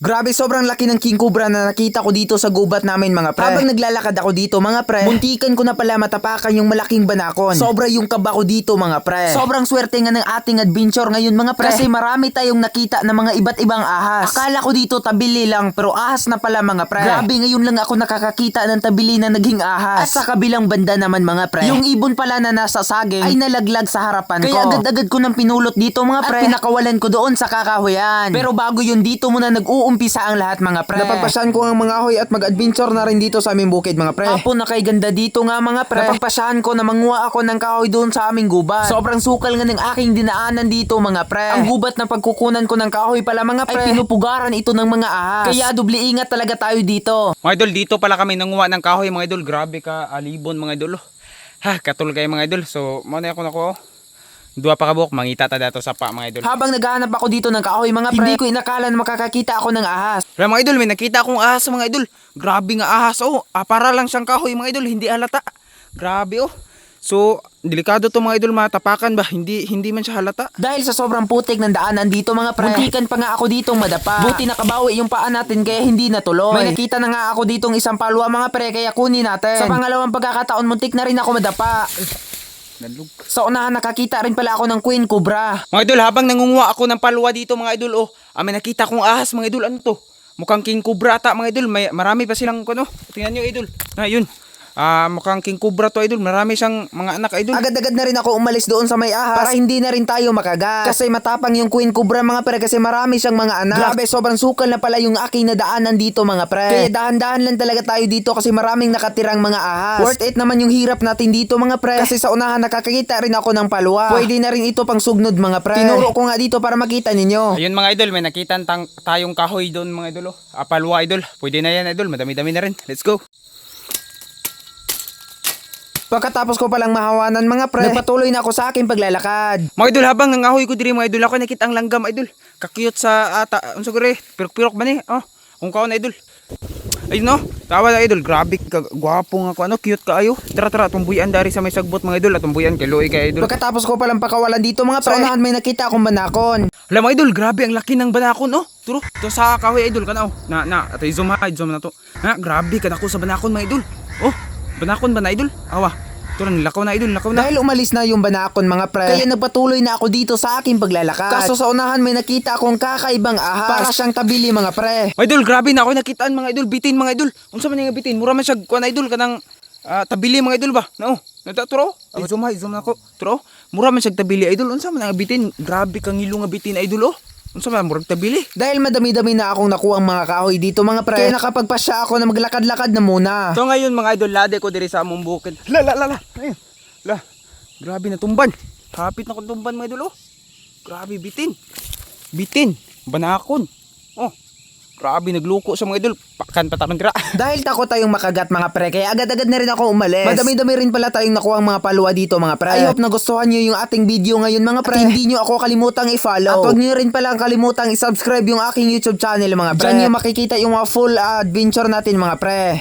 Grabe, sobrang laki ng king cobra na nakita ko dito sa gubat namin mga pre. Habang naglalakad ako dito mga pre, muntikan ko na pala matapakan yung malaking banakon. Sobra yung kaba ko dito mga pre. Sobrang swerte nga ng ating adventure ngayon mga pre. Kasi marami tayong nakita na mga iba't ibang ahas. Akala ko dito tabili lang pero ahas na pala mga pre. Grabe, ngayon lang ako nakakakita ng tabili na naging ahas. At sa kabilang banda naman mga pre, yung ibon pala na nasa saging ay nalaglag sa harapan ko. Kaya agad-agad ko nang pinulot dito mga pre. At pinakawalan ko doon sa kakahuyan. Pero bago yun dito muna nag-uumpisa ang lahat mga pre. Napagpasyahan ko ang mga ahoy at mag-adventure na rin dito sa aming bukid mga pre. Apo na kay ganda dito nga mga pre. Napagpasyahan ko na manguha ako ng kahoy doon sa aming gubat. Sobrang sukal nga ng aking dinaanan dito mga pre. Ang gubat na pagkukunan ko ng kahoy pala mga pre ay pinupugaran ito ng mga ahas. Kaya doble ingat talaga tayo dito. Mga idol, dito pala kami nanguha ng kahoy mga idol. Grabe ka, alibon mga idol. Ha, katul kayo mga idol. So, muna ako nako. Dua pa kabuk, mangita ta dato sa pa mga idol. Habang naghahanap ako dito ng kahoy mga pre, hindi ko inakala na makakakita ako ng ahas. Pero mga idol, may nakita akong ahas mga idol. Grabe nga ahas oh. Para lang siyang kahoy mga idol, hindi halata. Grabe oh. So, delikado to mga idol, matapakan ba? Hindi man siya halata. Dahil sa sobrang putik ng daanan dito mga pre, muntikan pa nga ako ditong madapa. Buti nakabawi yung paa natin kaya hindi natuloy. May nakita na nga ako ditong isang palwa mga pre kaya kunin natin. Sa pangalawang pagkakataon muntik na rin ako madapa. Sa unahan nakakita rin pala ako ng queen cobra. Mga idol, habang nangunguha ako ng palwa dito mga idol, may nakita kong ahas mga idol. Ano to? Mukhang king cobra ata mga idol. Marami pa silang ano. Tingnan nyo idol. Yun. Mukhang king cobra to idol. Marami siyang mga anak idol. Agad-agad na rin ako umalis doon sa may ahas para hindi na rin tayo makagat. Kasi matapang yung queen cobra mga pre kasi marami siyang mga anak. Grabe, sobrang sukal na pala yung aking nadaanan dito mga pre. Kaya dahan-dahan lang talaga tayo dito kasi maraming nakatirang mga ahas. Worth it naman yung hirap natin dito mga pre. Kasi sa unahan nakakakita rin ako ng palwa. Pwede na rin ito pang sugnod mga pre. Tinuro ko nga dito para makita ninyo. Ayun mga idol, may nakita tayong kahoy doon mga idol. Palwa idol. Pwede na yan idol. Madami-dami na rin. Let's go. Pagkatapos ko palang mahawanan mga pre, nagpatuloy na ako sa aking paglalakad. Mga idol, habang nangahoy ko diri mga idol, ako nakita ang langgam idol. Kakiyot sa unsa gure, pirok-pirok ba ni? Kung kaon idol. Ayun no, tawa na idol, grabe ka, gwapo nga ko, cute ka ayo. Tara, tumbuyan dari sa may sagbot mga idol, at tumbuyan kay Loy kay idol. Pagkatapos ko palang pakawalan dito mga pre, sa unahan may nakita akong banakon. Alam mga idol, grabe ang laki ng banakon Turo, to sa kahoy idol kana ato zoom na to. Grabe ka ko sa banakon mga idol. Banakon ba na idol? Turo, nilakaw na idol, lakaw na. Dahil umalis na yung banakon mga pre, kaya nagpatuloy na ako dito sa aking paglalakad. Kaso sa unahan may nakita akong kakaibang ahas. Para siyang tabili mga pre. Idol, grabe na ako nakitaan mga idol, bitin mga idol. Unsa man nga bitin? Mura man siya kuan idol kanang tabili mga idol ba? Turo. Zoom na ko. Turo. Mura man siya tabili idol. Unsa man nga bitin? Grabe kang ngilo nga bitin idol Unsa man murag tabili? Dahil madami-dami na akong nakuhang mga kahoy dito mga pre, kaya nakapagpasya ako na maglakad-lakad na muna. So ngayon mga idol, lade ko diri sa among bukid. Ayun. Grabe na tumban. Kapit na kong tumban mga idol Grabe bitin. Banakon. Grabe nagluko sa mga idol. Pakan patakon dira. Dahil takot tayong makagat mga pre, kaya agad-agad na rin ako umalis. Madami-dami rin pala tayong nakuhang mga palwa dito mga pre. I hope nagustuhan nyo yung ating video ngayon mga pre. At hindi nyo ako kalimutang i-follow. At huwag nyo rin pala kalimutang i-subscribe yung aking YouTube channel mga pre. Diyan nyo makikita yung mga full adventure natin mga pre.